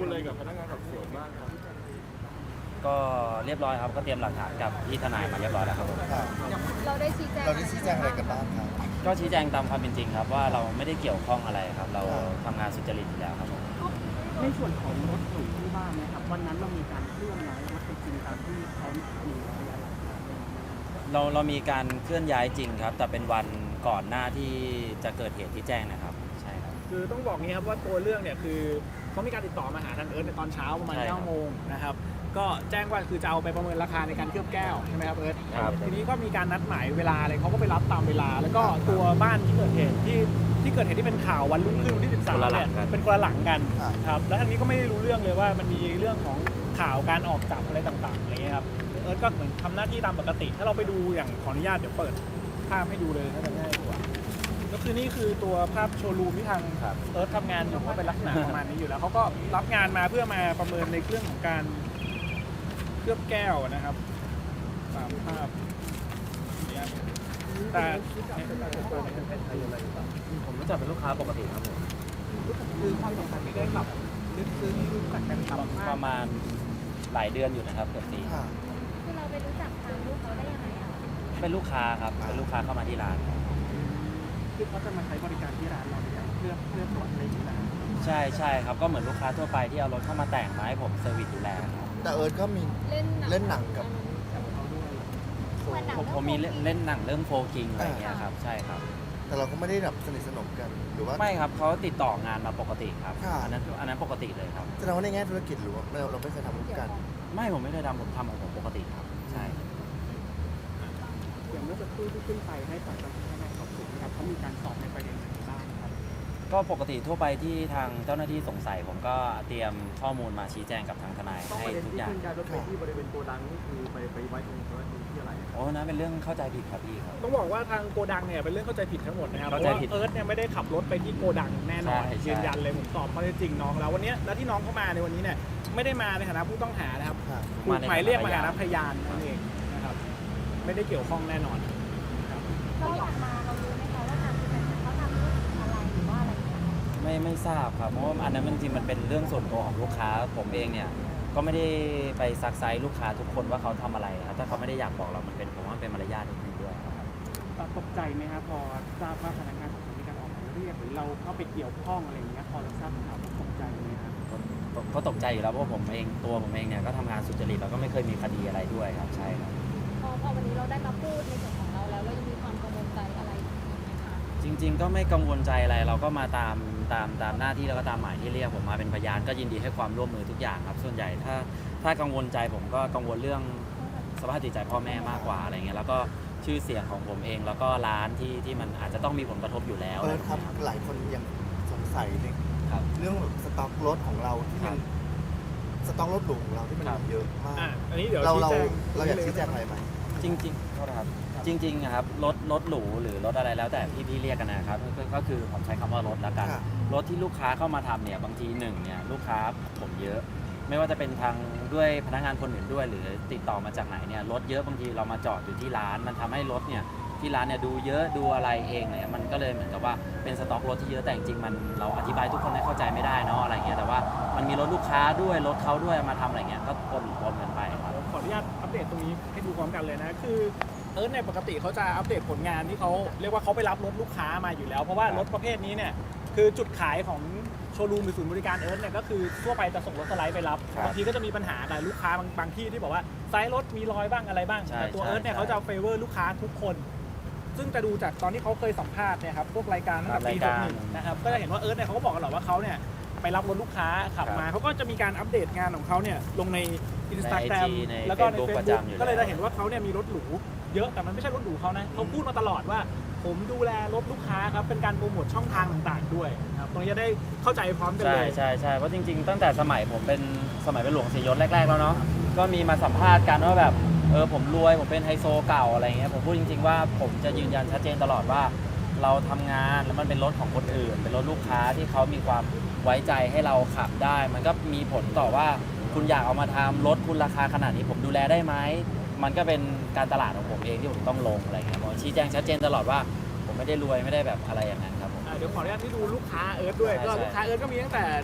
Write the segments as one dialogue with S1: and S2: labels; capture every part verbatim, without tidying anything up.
S1: อะไรกับพนักงานสอบสวนบ้างครับ
S2: ก็เรียบร้อยครับก็เตรียมหลักฐานกับที่ทนายมาเรียบร้อยแล้วครับผม
S3: ค่ะ
S4: เราได้ชี้แจง
S3: เราได้ชี้แจงอะไรกันบ้างครับ
S2: ก็ชี้แจงตามความเป็นจริงครับว่าเราไม่ได้เกี่ยวข้องอะไรครับ เรา
S3: ครับ
S2: ทำงานสุจริตอยู่แล้วครับผม
S5: ในส่วนของรถหรูที่บ้านนะครับวันนั้นเรามีการเคลื่อนย้ายรถไปจริงตามที่เขามีพยานหลักฐาน
S2: เราเรามีการเคลื่อนย้ายจริงครับ แต่เป็นวันก่อนหน้าที่จะเกิดเหตุที่แจ้งนะครับใช่ครับ
S1: คือต้องบอกงี้ครับว่าตัวเรื่องเนี่ยคือเขามีการติดต่อมาหาทางเอิร์ธในตอนเช้าประมาณ
S2: ใช่ครับ
S1: เก้าโมงนะครับก็แจ้งว่าคือจะเอาไปประเมินราคาในการเคลือบแก้วใช่ไหมครับเอิร์ธ
S2: ครับ
S1: ทีนี้ก็มีการนัดหมายเวลาอะไรเขาก็ไปรับตามเวลา แล้วก็ตัวบ้านที่เกิดเหตุที่ที่เกิดเหตุที่เป็นข่าววันรุ่งขึ้นวันที่สิบสามเนี่ยเป็นคนละหลังกันครับแล้วทางนี้ก็ไม่ได้รู้เรื่องเลยว่ามันมีเรื่องของข่าวการออกจับอะไรต่างๆอะไรเงี้ยครับเอิร์ธก็เหมือนทำหน้าที่ตามปกติ ถ้าเราไปดูอย่างขออนุญาตเดี๋ยวเปิดภาพให้ดูเลยน่าจะง่ายกว่าก็คือนี่คือตัวภาพโชว์รูมที่ทาง
S2: ครับ
S1: เอิร์ธทำงานอยู่ก็เป็นลักษณะประมาณนี้อยู่แล้วเขาก็รับงานมาเพื่อมาประเมินในเรื่องของการเคลือบแก้วนะครับตามภาพเนี่ยแต่
S2: ผมรู้จักเป็นลูกค้าปกติครับผม
S1: คือความสัมพันธ์ไม่ได้แบบลึกซึ้งรู้จักกันครับ
S2: ประมาณหลายเดือนอยู่นะครับเกือบปี
S3: ค่ะ
S4: คือเราไปรู้จักทางลูกเขาได้ยังไงอะ
S2: เป็นลูกค้าครับเป็นลูกค้าเข้ามาที่ร้าน
S5: คือเขาจะมาใช้บริการที่ร้านเราเนี่ยเพื่อเพื่อตรวจอะไรอย่างนี้นะ
S2: ใช่ใช่ครับก็เหมือนลูกค้าทั่วไปที่เอารถเข้ามาแต่งมาให้ผมเซอร์วิสดูแลครับ
S3: แต่เอิร์ธก็มี
S4: เล่นหนัง
S3: เล่นหนังกับ
S4: เหมือนหนัง
S2: ผมผมมีเล่นเล่นหนังเรื่องโฟกิงอะไรอย่างเงี้ยครับใช่ครับ
S3: แต่เราก็ไม่ได้แบบสนิทสนมกันหรือว่า
S2: ไม่ครับเขาติดต่องานมาปกติครับ
S3: ค่ะ
S2: อันนั้นอันนั้นปกติเลยครับ
S3: แสดงว่าในแง่ธุรกิจหรือว่าเราเราไม่เคยทำร่วมกัน
S2: ไม่ผมไม่ได้ทำผมทำของผมปกติครับใช่
S5: อย่างเมื่อสักครู่ที่ขึ้นไปให้ปากคำพนักงานสอบสวนนะครับเขามีการสอบในประเด็นไหนบ้างครับ
S2: ก็ปกติทั่วไปที่ทางเจ้าหน้าที่สงสัย ผมก็เตรียมข้อมูลมาชี้แจงกับทางทนายให้ทุกอย่าง
S1: รถไปที่บริเวณโกดังนี่คือไปไปไว้ตรงที่อะไร
S2: โอ้นะเป็นเรื่องเข้าใจผิดครับพี่ครับ
S1: ต้องบอกว่าทางโกดังเนี่ยเป็นเรื่องเข้าใจผิดทั้งหมดนะครับเพ
S2: เข้า
S1: ราะ
S2: ใจ
S1: ว่า
S2: ผิด
S1: เอิร์ธเนี่ยไม่ได้ขับรถไปที่โกดังแน่นอน
S2: ใช่ใช่
S1: ยืนยันเลยผมสอบข้อเท็จจริงน้องแล้ววันนี้แล้วที่น้องเข้ามาในวันนี้เนี่ยไม่ได้มาในฐานะผู้ต้องหานะครับ
S3: ค่ะ
S1: ถูกหมายเรียกมาฐานะพยานนั่นเองนะครับไม่ได้เกี่ยวข้องแน่นอนครับ
S4: เราออกมาเรารู้ไหมคะว่าทางที่เป็นเขาทำธุรกิจอะไรหรือว่าอะไรอย่างเงี้ย
S2: ไม่ไม่ทราบครับเพราะว่าอันนั้นมันจริงๆมันเป็นเรื่องส่วนตัวของลูกค้าผมเองเนี่ยก็ไม่ได้ไปซักไซส์ลูกค้าทุกคนว่าเขาทำอะไรครับถ้าเขาไม่ได้อยากบอกเรามันเป็นผมว่ามันเป็นมารยาทนิดนึงด้วยครับ
S5: ตกใจไหมครับพอทราบว่าพนักงานสอบสวนมีการออกหมายเรียกหรือเราเข้าไปเกี่ยวข้องอะไรอย่างเงี้ยพอเราทราบข่าวตกใจไหมครับ
S2: ก็ก็ตกใจอยู่แล้วเพราะว่าผมเองตัวผมเองเนี่ยก็ทำงานสุจริตแล้วก็ไม่เคยมีคดีอะไรด้วยครับใช่ครับ
S4: พอพอวันนี้เราได้มาพูดในส่วนของเราแล้วเรายังมีความกังวลใจอะไรอีกไหมคะ
S2: จริง ๆ ก็ไม่กังวลใจอะไรเราก็มาตามตามตามหน้าที่แล้วก็ตามหมายที่เรียกผมมาเป็นพยานก็ยินดีให้ความร่วมมือทุกอย่างครับส่วนใหญ่ถ้าถ้ากังวลใจผมก็กังวลเรื่องสภาพจิตใจพ่อแม่มากกว่าอะไรเงี้ยแล้วก็ชื่อเสียงของผมเองแล้วก็ร้านที่ที่มันอาจจะต้องมีผลกระทบอยู่แล้ว
S3: เอิร์ธครับ
S2: อะไ
S3: หลายคนยังสงสัยใน
S2: ครับ
S3: เรื่องสต็อกรถของเราที่มันสต็อกรถหรูของเราที่มัน
S2: ครับ
S3: เยอะมาก
S1: อ่ะอันนี้เดี๋ยว
S3: เรา
S1: ชี้
S3: เรา
S1: แจง
S3: เราอยากชี้แจงอะไรไหม
S2: จริงๆโทษนะครับจริงๆอะครับรถรถหรูหรือรถอะไรแล้วแต่พี่พี่เรียกกันนะครับก็ก็คือผมใช้คำว่ารถแล้วกัน
S3: ค่ะ
S2: รถที่ลูกค้าเข้ามาทำเนี่ยบางทีหนึ่งเนี่ยลูกค้าผมเยอะ ไม่ว่าจะเป็นทางด้วยพนักงานคนอื่นด้วย หรือติดต่อมาจากไหนเนี่ยรถเยอะบางทีเรามาจอดอยู่ที่ร้าน มันทำให้รถเนี่ยที่ร้านเนี่ยดูเยอะดูอะไรเองเนี่ยมันก็เลยเหมือนกับว่าเป็นสต็อกรถที่เยอะแต่จริงๆมันเราอธิบายทุกคนให้เข้าใจไม่ได้เนาะอะไรเงี้ยแต่ว่ามันมีรถลูกค้าด้วยรถเขาด้วยมาทำอะไรเงี้ยก็ปนปนกันไปครับ
S1: ขออนุญาตอัปเดตตรงนี้ให้ดูพร้อมกันเลยนะคือเอิร์ธเนี่ยปกติเขาจะอัปเดตผลงานที่เขาเรียกว่าเขาไปรับรถลูกค้ามาอยู่แล้ว เพราะว่ารถประเภทนี้เนี่ยคือจุดขายของโชว์รูมหรือศูนย์บริการเอิร์ธเนี่ยก็คือทั่วไปจะส่งรถสไลด์ไปรับ
S2: ครับ
S1: บางทีก็จะมีปัญหากับลูกค้าบางบางที่ที่บอกว่าไซส์รถมีรอยบ้างอะไรบ้าง
S2: ใช่
S1: แต่ตัว
S2: ใช่
S1: เอิร์ธเนี่ย
S2: ใช่
S1: เขาจะเฟเวอร์ลูกค้าทุกคน ซึ่งจะดูจากตอนที่เขาเคยสัมภาษณ์เนี่ยครับพวกรายการตั้งแต่ปี
S2: ครับ
S1: ห
S2: ราย
S1: ก
S2: การ
S1: หนึ่งนะครับก็จะเห็นว่าเอิร์ธเนี่ยเขาก็บอกกันหรอกว่าเขาเนี่ยไปรับรถลูกค้าขับ
S2: ครับ
S1: มาเขาก็จะมีการอัปเดตงานของเขาเนี่ยลงในอินสตาแกรม
S2: ใน
S1: แล้วก็ใน
S2: Facebook
S1: เฟซ
S2: ประ
S1: บุ๊ก
S2: จำอยู่
S1: ก็เลย
S2: แล้ว
S1: จะเห็นว่าเขาเนี่ยมีรถหรูเยอะแต่มันไม่ใช่รถหรูเขานะเขาพูดมาตลอดว่า ผมดูแลรถลูกค้าครับเป็นการโปรโมทช่องทางต่างๆด้วยนะครับตรงนี้จะได้เข้าใจพร้อมกัน
S2: ใช่
S1: เลย
S2: ใช่ใช่เพราะจริงๆ ตั้งแต่สมัยผมเป็นสมัยเป็นหลวงศรียศแรกๆแล้วเนาะก็มีมาสัมภาษณ์กันว่าแบบเออผมรวยผมเป็นไฮโซเก่าอะไรเงี้ยผมพูดจริงๆว่าผมจะยืนยันชัดเจนตลอดว่า เราทำงานแล้วมันเป็นรถของคนอื่น เป็นรถลูกค้าที่เขามีความไว้ใจให้เราขับได้ มันก็มีผลต่อว่าคุณอยากเอามาทำรถคุณราคาขนาดนี้ผมดูแลได้ไหมมันก็เป็นการตลาดของผมเองที่ผมต้องลงอะไรเงี้ยผมชี้แจงชัดเจนตลอดว่าผมไม่ได้รวยไม่ได้แบบอะไรอย่างนั้นครับผม
S1: อ่าเดี๋ยวขออนุญาตที่ดูลูกค้าเอิร์ธด้วย
S2: ใช่
S1: ก็
S2: ใช่
S1: ลูกค้าเอิร์ธก็มีตั้งแต่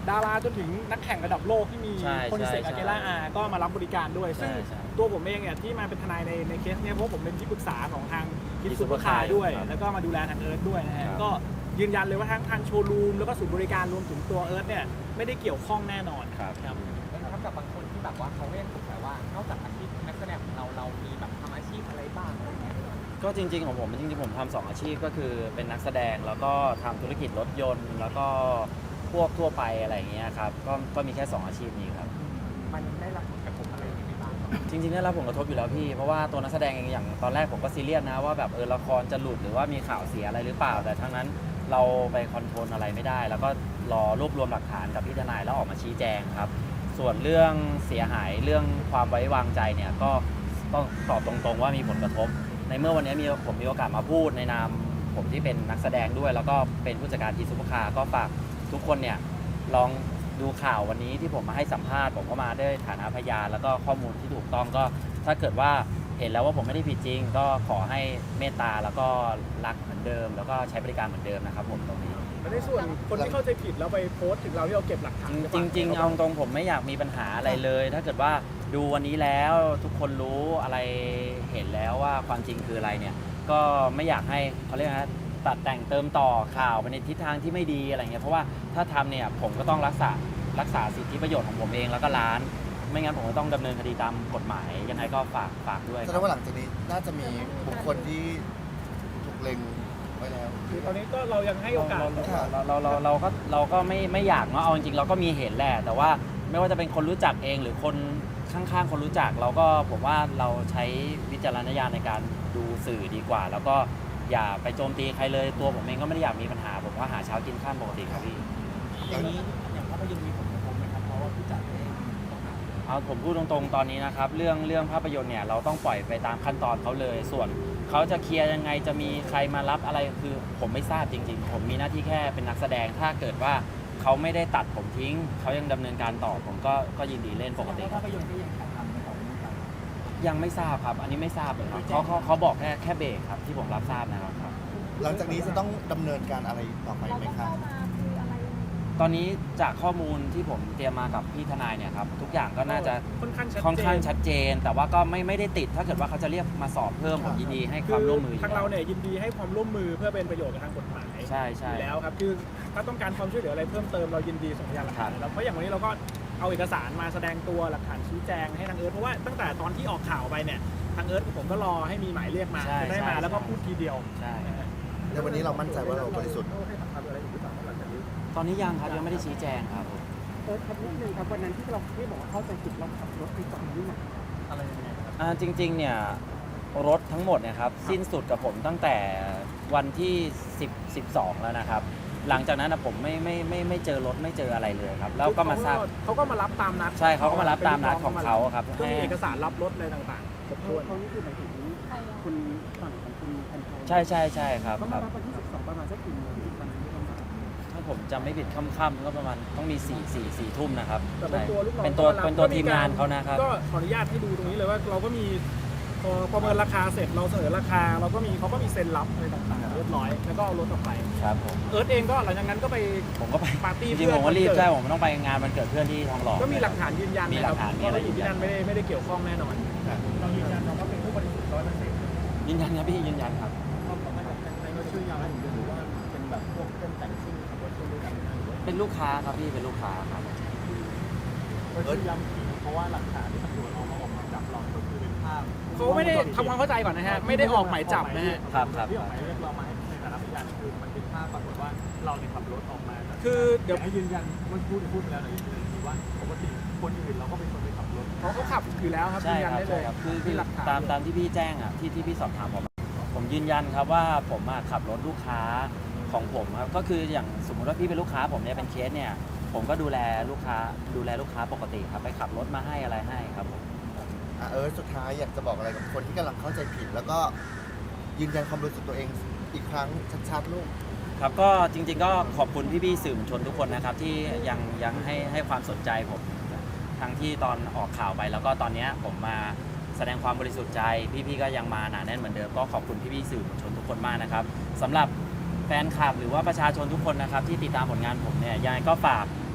S1: ดาราจนถึงนักแข่งระดับโลกที่มี
S2: ใช่
S1: คนเสก
S2: ใช่
S1: อาเกล่าอาก็มารับบริการด้วย ซึ่ง
S2: ใช่ใช่
S1: ตัวผมเองเนี่ยที่มาเป็นทนายในในเคสเนี้ยเพราะผมเป็นที่ปรึกษาของทางกิฟ
S2: Gift
S1: ต์ซูเปอร์คา
S2: Supercar
S1: ร์ด้วย
S2: ครับ
S1: แล้วก็มาดูแลทางเอิร์ธด้วยนะฮะ
S2: ครับ
S1: ก็ยืนยันเลยว่าทั้งทางโชว์รูมแล้วก็ศูนย์บริการรวมถึงตัวเอิร์ธเนี่ยไม่ได้เกี่ยวข้องแน่นอน
S2: ครับ
S1: ครับ
S6: นะครับกับบางคนที่แบบว่าเขาเรียกสงสัยว่านอกจากอาชีพนักแสดงของเราเรามีแบบทำอาชีพอะไรบ้างอะไรเงี้ย
S2: ก็จริงๆของผมจริงๆผมทำสองอาชีพก็คือเป็นนักแสดงแล้วก็ทำธุรกิจรถยนต์ แล้วก็พวกทั่วไปอะไรอย่างเงี้ยครับก็ก็มีแค่สองอาชีพนี้ครับ
S6: มันได้รับผลกระทบอะไรยังไงบ้างครับ
S2: จริงๆได้รับผลกระทบอยู่แล้วพี่ เพราะว่าตัวนักแสดงเองอย่างตอนแรกผมก็ซีเรียสนะว่าแบบเออละครจะหลุดหรือว่ามีข่าวเสียอะไรหรือเปล่า แต่ทั้งนั้นเราไปคอนโทรลอะไรไม่ได้ แล้วก็รอรวบรวมหลักฐานกับพี่ทนายแล้วออกมาชี้แจงครับ ส่วนเรื่องเสียหายเรื่องความไว้วางใจเนี่ยก็ต้องตอบตรงๆว่ามีผลกระทบ ในเมื่อวันนี้มีผมมีโอกาสมาพูดในนามผมที่เป็นนักแสดงด้วย แล้วก็เป็นผู้จัดการทีมซุปเปอร์คาร์ก็ฝากทุกคนเนี่ยลองดูข่าววันนี้ที่ผมมาให้สัมภาษณ์ผมก็มาด้วยฐานะพยานแล้วก็ข้อมูลที่ถูกต้องก็ถ้าเกิดว่าเห็นแล้วว่าผมไม่ได้ผิดจริง ก็ขอให้เมตตาแล้วก็รักเหมือนเดิม แล้วก็ใช้บริการเหมือนเดิมนะครับผมตรงนี้
S1: และในส่วนคนที่เข้าใจผิดแล้วไปโพสต์ถึงเราที่เราเก็บหลักฐาน
S2: จริงจริงๆเอาตรงๆผมไม่อยากมีปัญหาอะไรเลย ถ้าเกิดว่าดูวันนี้แล้วทุกคนรู้อะไรเห็นแล้วว่าความจริงคืออะไรเนี่ยก็ไม่อยากให้เขาเรียกนะตัดแต่งเติมต่อข่าวไปในทิศทางที่ไม่ดีอะไรเงี้ยเพราะว่าถ้าทำเนี่ยผมก็ต้องรักษารักษาสิทธิประโยชน์ของผมเองแล้วก็ร้าน ไม่งั้นผมก็ต้องดำเนินคดีตามกฎหมายยังไงก็ฝากฝากด้วย
S3: แสดงว่าหลังจากนี้น่าจะมีบุคคลที่ถูกเล็งไว้แล้ว
S1: คือตอนนี้ก็เรายังให้โอกาส
S2: เราเราเราเราก็เราก็ไม่ไม่อยากเนาะเอาจริงๆเราก็มีเห็นแหละแต่ว่าไม่ว่าจะเป็นคนรู้จักเองหรือคนข้างๆคนรู้จักเราก็ผมว่าเราใช้วิจารณญาณในการดูสื่อดีกว่า แล้วก็อย่าไปโจมตีใครเลยตัวผมเองก็ไม่ได้อยากมีปัญหาผมก็หาเช้ากินข้ามปกติครับพี่
S6: อย่างนี้อย่างภาพยนตร์มีผลกระทบไหมครับเพราะว่าผู้จัดเองต้องหา
S2: เอาผมพูดตรงๆตอนนี้นะครับเรื่องเรื่องภาพยนตร์เนี่ยเราต้องปล่อยไปตามขั้นตอนเขาเลย ส่วนเขาจะเคลียร์ยังไงจะมีใครมารับอะไรคือผมไม่ทราบจริงๆ ผมมีหน้าที่แค่เป็นนักแสดงถ้าเกิดว่าเขาไม่ได้ตัดผมทิ้งเขายังดำเนินการต่อผมก็ก็ยินดีเล่นปกติครับ
S6: ภาพยนตร์ก็ยังถ่ายทำในของนี้ไป
S2: ยังไม่ทราบครับ อันนี้ไม่ทราบเลยครับเขาเขาเขาบอกแค่แค่เบรกครับที่ผมรับทราบนะครับครับ
S3: หลังจากนี้จะต้องดำเนินการอะไรต่อไป
S4: เรา
S3: ไหม
S4: ต้อง
S3: ครับ
S4: เข้ามาคืออะไรยังไง
S2: ตอนนี้จากข้อมูลที่ผมเตรียมมากับพี่ทนายเนี่ยครับทุกอย่างก็น่าจะ
S1: ค่อนข้างชัดเจน
S2: ค่อนข้างชัดเจน แต่ว่าก็ไม่ไม่ได้ติดถ้าเกิดว่าเขาจะเรียกมาสอบเพิ่มผมยินดีให้ความร่วมมืออยู่
S1: ทางเราเนี่ยยินดีให้ความร่วมมือเพื่อเป็นประโยชน์กับทางกฎหมาย
S2: ใช่ใช่
S1: อยู่แล้วครับคือถ้าต้องการความช่วยเหลืออะไรเพิ่มเติมเรายินดีส่งพยานหลักฐานแล้วเพราะอย่างวันนี้เราก็เอาเอกสารมาแสดงตัวหลักฐานชี้แจงให้ทางเอิร์ธเพราะว่าตั้งแต่ตอนที่ออกข่าวไปเนี่ยทางเอิร์ธกับผมก็รอให้มีหมายเรียกมา
S2: ใช่
S1: จะได้มา
S2: ใช่
S1: แล้วก็พูดทีเดียว
S2: ใช่
S3: ในวันนี้เรามั่นใจว่าเราบริสุทธิ์
S2: ตอนนี้ยังครับยังไม่ได้ชี้แจงครับผม
S5: เออครับนิดนึงครับวันนั้นที่เราที่บอกว่าเข้าใจผิดเราขับรถไปจอดที่ไหนอะไรยังไงครับ
S2: อ่าจริงๆเนี่ยรถทั้งหมดเนี่ยครับสิ้นสุดกับผมตั้งแต่วันที่สิบ สิบสองแล้วนะครับ หลังจากนั้นนะผมไม่ไม่ไม่ไม่เจอรถไม่เจออะไรเลยครับ แล้วก็มาทราบ
S1: เขาก็มารับตามนัด
S2: ใช่เขาก็มารับตามนัดของเขาครับ
S1: ก็มี
S2: ให้
S1: เอกสารรับรถอะไรต่างๆครบ
S5: เขา
S1: ถ้วน
S5: เขานี่คือหมายถึง
S4: ใครอะ
S5: คุณฝั่งของคุณแอนโท
S2: ใช่ใช่ใช่ครับ
S5: เขา
S2: ค
S5: มา
S2: รับ
S5: รับวันที่สิบสองประมาณสักกี่โมงที่วันนั้นที่เขามา
S2: ถ้าผมจำไม่ผิดค่ำๆก็ประมาณต้องมีสี่สี่สี่ทุ่มนะครับ
S1: แต่เป็นตัวลูกน้อง
S2: เป็นตัว
S1: ก็รับ
S2: เป็นตัว
S1: ก็
S2: ทีมงานเขานะครับ
S1: ก็ขออนุญาตให้ดูตรงนี้เลยว่าเราก็มีพอประเมินราคาเสร็จเราเสนอราคา เราก็มีเขาก็มีเซ็นรับอะไรต่างๆเรียบร้อยแล้วก็เอารถออกไป
S2: ครับผม
S1: เอิร์ธเองก็หลังจากนั้นก็ไป
S2: ผมก็ไป
S1: ปาร์ตี้
S2: จริงๆผมก็รีบใช่ผมต้องไปงานวันเกิดเพื่อนที่ทองหล่อ
S1: ก็มีหลักฐานยืนยัน
S2: มีหลักฐานมี
S1: ว่า
S2: อะไร
S1: เราอยู่ที่นั่น
S2: ยืนยัน
S1: ไม่ได้ไม่ได้เกี่ยวข้องแน่นอนเรายืนยันเราก็เป็นผู้บริสุทธิ์ร้อยเปอร์เซ็นต์
S2: ยืนยันครับพี่ยืนยันครับ
S6: ชื่อยาวให้หรือว่าเป็นแบบพวกเป็นแต่งซิ่งขับรถด้วยกัน
S2: เป็นลูกค้าครับพี่เป็นลูกค้าครับ
S6: ก็ย้ำเพราะว่าหลักฐานที่ตำรวจเอามาออกหมายจับเราก็คือเป็นภาพ
S1: เขาไม่ได้ทำความเข้าใจก่อนนะฮะไม่ได้ออกหมายจับนะฮะ
S2: ครับครับ
S6: ที่ออกหมายเรียกเรามาให้ในฐานะพยานคือมันเป็นภาพปรากฏว่าเราเนี่ยขับรถออกมา
S1: คือเดี๋ยว
S6: ให้ยืนยันมันพูดพูดไปแล้วแต่ยืนยันว่าปกติคนอื่นเราก็เป็นคนไปขับรถ
S1: เขาเขาขับอยู่แล้วครับ
S2: ใช่
S1: ยืนยัน
S2: ครับ
S1: ได้เล
S2: ใช่
S1: ย
S2: ครับคือคื
S1: มี
S2: อ
S1: หลักฐาน
S2: ตามตามที่พี่แจ้งอ่ะที่ที่พี่สอบถามผมผมยืนยันครับว่าผมอะขับรถลูกค้าของผมครับก็คืออย่างสมมติว่าพี่เป็นลูกค้าผมเนี่ยเป็นเคสเนี่ยผมก็ดูแลลูกค้าดูแลลูกค้าปกติครับไปขับรถมาให้อะไรให้ครับผม
S3: อ่ะเออสุดท้ายอยากจะบอกอะไรกับคนที่กำลังเข้าใจผิด แล้วก็ยืนยันความบริสุทธิ์ตัวเองอีกครั้งชัดๆลูก
S2: ครับก็จริงๆก็ขอบคุณพี่ๆสื่อมวลชนทุกคนนะครับที่ยังยังให้ให้ความสนใจผมทั้งที่ตอนออกข่าวไปแล้วก็ตอนเนี้ยผมมาแสดงความบริสุทธิ์ใจพี่ๆก็ยังมาหนาแน่นเหมือนเดิมก็ขอบคุณพี่ๆสื่อมวลชนทุกคนมากนะครับสำหรับแฟนคลับหรือว่าประชาชนทุกคนนะครับที่ติดตามผลงานผมเนี่ยยังไงก็ฝาก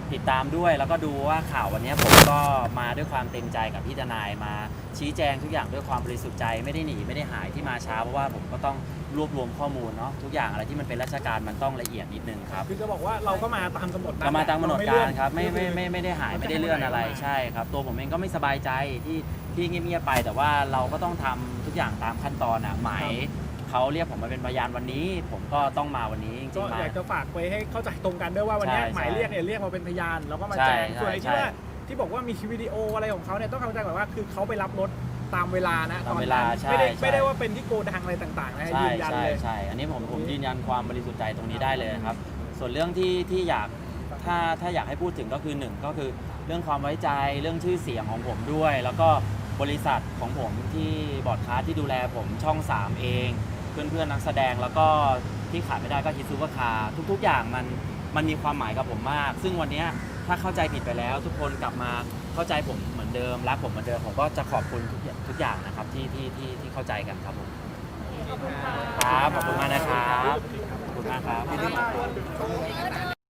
S2: ติดตามด้วยแล้วก็ดูว่าข่าววันนี้ผมก็มาด้วยความเต็มใจกับพี่ทนายมาชี้แจงทุกอย่างด้วยความบริสุทธิ์ใจไม่ได้หนีไม่ได้หายที่มาช้าเพราะว่าผมก็ต้องรวบรวมข้อมูลเนาะทุกอย่างอะไรที่มันเป็นราชการมันต้องละเอียดนิดนึงครับ
S1: คือจะบอกว่าเราก็มาตามกำหนด
S2: ก็มาตามกำหนดการครับไม่
S1: เลื่
S2: ไม่
S1: อน
S2: ไม่ไม่ได้หายไม่ได้เลื่อนอะไรใช่ครับตัวผมเองก็ไม่สบายใจที่ที่เงียบๆไป แต่ว่าเราก็ต้องทำทุกอย่างตามขั้นตอนอ่ะหมายเขาเรียกผมมาเป็นพยานวันนี้ ผมก็ต้องมาวันนี้จริ
S1: ก็
S2: งๆมา
S1: อยากจะฝากไว้ให้เข้าใจตรงกันด้วยว่าวันนี้
S2: ใช่
S1: หมายเรียกเนี่ยเรียกมาเป็นพยานแล้วก็มา
S2: ใช่
S1: แจ้ง
S2: ใช่
S1: ส่วนไอ้
S2: ใช่
S1: ที่ว่าที่บอกว่ามีวิดีโออะไรของเขาเนี่ยต้องเข้าใจก่อนว่าคือเขาไปรับรถตามเวลานะ
S2: ตามเวลา
S1: อนนั้น
S2: ใช่
S1: ไม่ได้
S2: ใช่
S1: ไม่ได้ว่าเป็นที่โกดังอะไรต่างๆนะ
S2: ใช่
S1: ยืนยัน
S2: ใช่
S1: เลย
S2: ใช่อันนี้ผมผมยืนยันความบริสุทธิ์ใจตรงนี้ได้เลยครับ ส่วนเรื่องที่ที่อยากถ้าถ้าอยากให้พูดถึงก็คือหนึ่งก็คือเรื่องความไว้ใจเรื่องชื่อเสียงของผมด้วย แล้วก็บริษัทของผมที่บอร์ดคาสที่ดูแลผมช่องสามเองเพื่อนเพื่อนๆนักแสดงแล้วก็ที่ขาดไม่ได้ก็ฮิตซูเปอร์คาร์ทุกๆอย่างมันมันมีความหมายกับผมมาก ซึ่งวันเนี้ยถ้าเข้าใจผิดไปแล้ว ทุกคนกลับมาเข้าใจผมเหมือนเดิมรักผมเหมือนเดิมผมก็จะขอบคุณทุกอย่างทุกอย่างนะครับที่ที่ที่ที่เข้าใจกันครับผม
S4: ขอบคุณค่ะ
S2: ครับขอบคุณมากนะครับ